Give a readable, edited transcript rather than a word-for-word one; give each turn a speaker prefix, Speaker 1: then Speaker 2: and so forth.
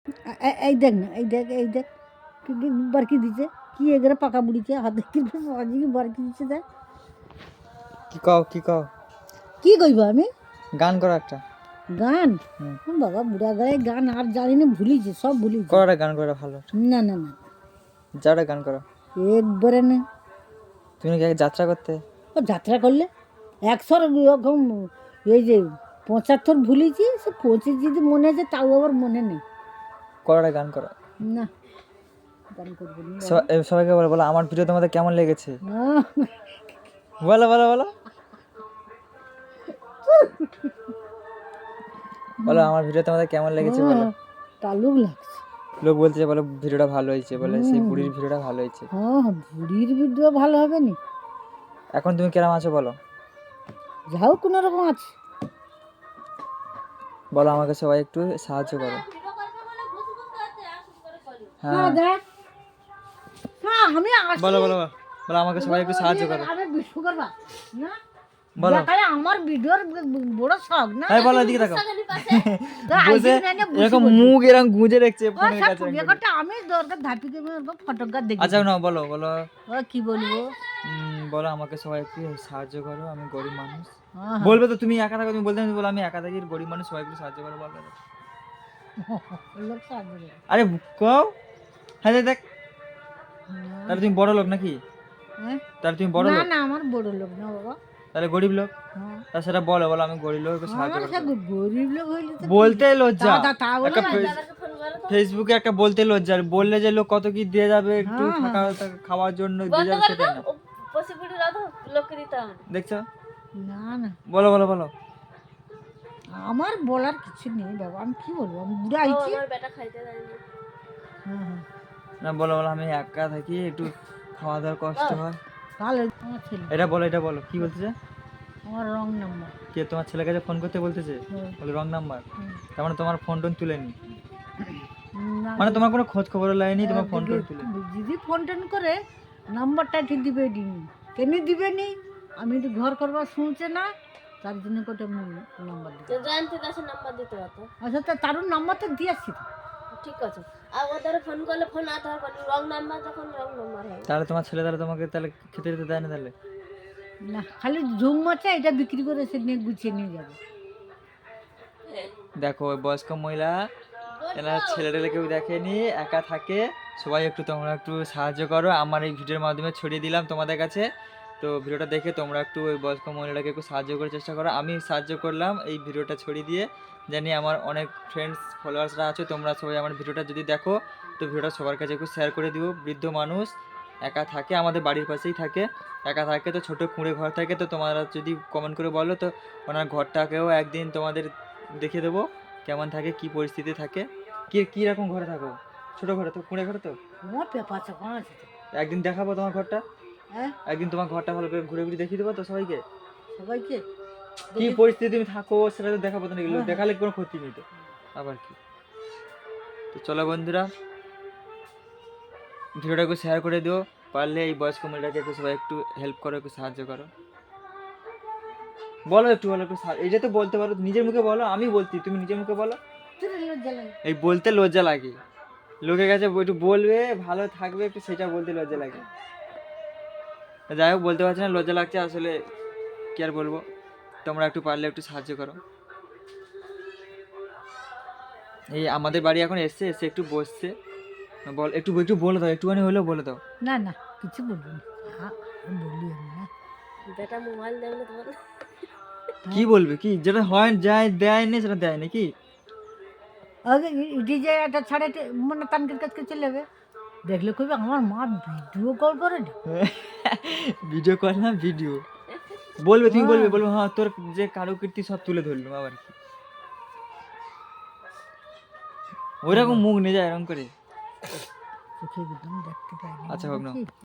Speaker 1: এই দেখ না, এই দেখ বারকি দিচ্ছে কি এগুলো পাকা বুড়িছে হাতে কি বারকি দিচ্ছে দেখ।
Speaker 2: কি কও
Speaker 1: কি কইব আমি?
Speaker 2: গান করো একটা।
Speaker 1: গান?
Speaker 2: হুম।
Speaker 1: বাবা বুড়া গায়ে গান আর জানি না, ভুলিছে সব ভুলিছে।
Speaker 2: করো একটা গান করো ভালো।
Speaker 1: না না না,
Speaker 2: যাও একটা গান করো।
Speaker 1: একবারে না।
Speaker 2: তুমি কি আগে যাত্রা করতে?
Speaker 1: ও যাত্রা করলে 100 রকম, এই যে 75 ভুলিছি, সে 25 যদি মনে আছে তাও আবার মনে নেই।
Speaker 2: করো একটা গান করো।
Speaker 1: না গান করবো না।
Speaker 2: সবাইকে বলো বলো আমার ভিডিও তোমাদের কেমন লেগেছে।
Speaker 1: না,
Speaker 2: বলো বলো বলো বলো আমার ভিডিও তোমাদের কেমন লেগেছে বলো।
Speaker 1: তালুক লাগছে।
Speaker 2: লোক বলছে বলো ভিডিওটা ভালো হয়েছে, বলে সেই বুড়ির ভিডিওটা ভালো হয়েছে।
Speaker 1: হ্যাঁ, বুড়ির ভিডিও ভালো হবে নি?
Speaker 2: এখন তুমি কেরাম আছো বলো।
Speaker 1: যাও কোনো রকম আছে।
Speaker 2: বলো আমাকে সবাই একটু সাহায্য করো। হ্যাঁ
Speaker 1: দেখ, হ্যাঁ আমি আসি।
Speaker 2: বলো বলো বলো আমাকে সবাই একটু সাহায্য করো।
Speaker 1: আমি বিষ্ণু করবা না,
Speaker 2: বলো
Speaker 1: দেখালে আমার ভিডিওর বড় শখ না।
Speaker 2: এই বলো এদিকে দেখো।
Speaker 1: তা
Speaker 2: বসে
Speaker 1: আইডিয়া না বুঝি
Speaker 2: এরকম
Speaker 1: বলছি।
Speaker 2: মুখ এরকম গুঁজে রেখেছে
Speaker 1: ও
Speaker 2: ফোনের
Speaker 1: সব
Speaker 2: কাছে।
Speaker 1: পুড়িয়াটা আমি দরকার ধাপিকে ফটোগ্রাফ দেখি।
Speaker 2: আচ্ছা না বলো বলো
Speaker 1: ও কি বলবো?
Speaker 2: বলো আমাকে সবাই একটু সাহায্য করো, আমি গরিব মানুষ।
Speaker 1: হ্যাঁ,
Speaker 2: বলবে তো তুমি একা থাকো, তুমি বলতে হবে, বলো আমি একা থাকি গরিব মানুষ, সবাই একটু সাহায্য করো বলো।
Speaker 1: লোক সাহায্য করে।
Speaker 2: আরে কও। হ্যাঁ দেখ,
Speaker 1: না,
Speaker 2: তাহলে তুমি বড় লোক নাকি?
Speaker 1: হ্যাঁ?
Speaker 2: তাহলে তুমি বড়
Speaker 1: না
Speaker 2: লোক?
Speaker 1: না, আমার বড় লোক না বাবা।
Speaker 2: তাহলে গরিব লোক?
Speaker 1: হ্যাঁ।
Speaker 2: তা সেটা বলো বলো আমি গরিব লোক, একটু সাহায্য
Speaker 1: আমার
Speaker 2: করো।
Speaker 1: সে গরিব লোক হইলে তো
Speaker 2: বলতে লজ্জা।
Speaker 1: তা বলে
Speaker 2: একটা ফেসবুকে একটা বলতে লজ্জা, আর বললে যে লোক কত কি দিয়ে যাবে একটু থাকা খাওয়ার জন্য দিয়ে যাবে সেটা না। দেখছো?
Speaker 1: না না,
Speaker 2: বলো বলো বলো
Speaker 1: আমার বলার কিছু নেই বাবা, আমি কি বলবো, আমি বুড়া আইছি। হ্যাঁ হ্যাঁ,
Speaker 2: না বলো বলো আমি একা থাকি, একটু খাওয়া দাওয়ার কষ্ট হয়।
Speaker 1: তাহলে আমার ছেলে,
Speaker 2: এটা বলো কি বলতেছে?
Speaker 1: আমার রং নাম্বার।
Speaker 2: কে তোমার ছেলের কাছে ফোন করতে বলতেছে? বলে রং নাম্বার? তার মানে তোমার ফোন টোন তুলেনি,
Speaker 1: না,
Speaker 2: মানে তোমার কোনো খোঁজ খবর লাইনি, তোমার ফোন টোন তুলে।
Speaker 1: যদি ফোন টোন করে নাম্বারটা ঠিক দিবে নি, কেন দিবে নি? আমি একটু ঘর করবার শুনছে না, তার জন্য কোটা নাম্বার দিতে। আচ্ছা, তা তারুর নাম্বার তো দিয়েছি তো।
Speaker 3: ঠিক আছে, আর ওদের ফোন করলে ফোন আতে হবে রং নাম্বার, যখন রং নাম্বার হবে।
Speaker 2: তাহলে তোমার ছেলে তাহলে তোমাকে তাহলে খেতে দিতে দেয় না তাহলে?
Speaker 1: না, খালি ঝুম মাছে এটা বিক্রি করে সে নিয়ে গুছিয়ে নিয়ে যাবে।
Speaker 2: দেখো ওই বয়স্ক মহিলা, এনার ছেলেটা কেউ দেখেনি, একা থাকে, সবাই একটু তোমরা একটু সাহায্য করো, আমার এই ভিডিওর মাধ্যমে ছড়িয়ে দিলাম তোমাদের কাছে। তো ভিডিওটা দেখে তোমরা একটু ওই বয়স্ক মহিলাটাকে একটু সাহায্য করার চেষ্টা করো। আমি সাহায্য করলাম এই ভিডিওটা ছড়িয়ে দিয়ে, জানি আমার অনেক ফ্রেন্ডস ফলোয়ার্সরা আছে, তোমরা সবাই আমার ভিডিওটা যদি দেখো তো ভিডিওটা সবার কাছে একটু শেয়ার করে দিও। বৃদ্ধ মানুষ একা থাকে, আমাদের বাড়ির পাশেই থাকে, একা থাকে, তো ছোটো কুঁড়ে ঘর থাকে, তো তোমরা যদি কমেন্ট করে বলো তো ওনার ঘরটাকেও একদিন তোমাদের দেখে দেবো কেমন থাকে, কি পরিস্থিতি থাকে, কি রকম ঘরে থাকো। ছোট ঘরে তো, কুঁড়ে ঘরে তো।
Speaker 1: আমার পেপার চাপা আছে তো।
Speaker 2: একদিন দেখাবো তোমার ঘরটা,
Speaker 1: হ্যাঁ,
Speaker 2: একদিন তোমার ঘরটা ভালো করে ঘুরে ঘুরে দেখিয়ে দেবো তো সবাইকে,
Speaker 1: সবাইকে
Speaker 2: কি পরিস্থিতি তুমি থাকো সেটা তো দেখাবো তো নাকি,
Speaker 1: হ্যাঁ।
Speaker 2: দেখালে কোনো ক্ষতি নেই তো, আবার কি। তো চলো বন্ধুরা, ভিডিওটা একটু শেয়ার করে দিও, পারলে এই বয়স্ক মহিলাকে একটু সবাই একটু হেল্প করো, একটু সাহায্য করো। বলো একটু, বলো একটু, এইটা তো বলতে পারো নিজের মুখে বলো, আমি বলছি তুমি নিজের মুখে বলো।
Speaker 1: লজ্জা লাগে।
Speaker 2: এই বলতে লজ্জা লাগে, লোকের কাছে একটু বলবে ভালো থাকবে একটু, সেটা বলতে লজ্জা লাগে। যাই হোক, বলতে পারছি না, লজ্জা লাগছে আসলে, কি আর বলবো। তোমরা একটু পারলে একটু সাহায্য করো। এই আমাদের বাড়ি এখন এসে একটু বসছে, বল একটু একটু বলে দাও, একটুখানি হলেও বলে দাও।
Speaker 1: না না, কিছু বলবো না। হ্যাঁ, বলি আমি না।
Speaker 3: বেটা মোবাইল দেখলে তোমার
Speaker 2: কি বলবে, কি যেটা হয় যায় দেয় না সেটা দেয় নাকি?
Speaker 1: আগে ইটি যে একটা ছাড়ে মানে তানকের কাছকে চলে যাবে, দেখলে কইবে আমার মা ভিডিও কল করে না।
Speaker 2: ভিডিও কল না, ভিডিও বলবে, তুমি বলবে বলবো হ্যাঁ তোর যে কারুকীর্তি সব তুলে ধরলো, আবার কি ওইরকম মুখ নিয়ে যায় এরকম করে।
Speaker 1: চোখে একদম দেখতে পাই না।
Speaker 2: আচ্ছা হোক না।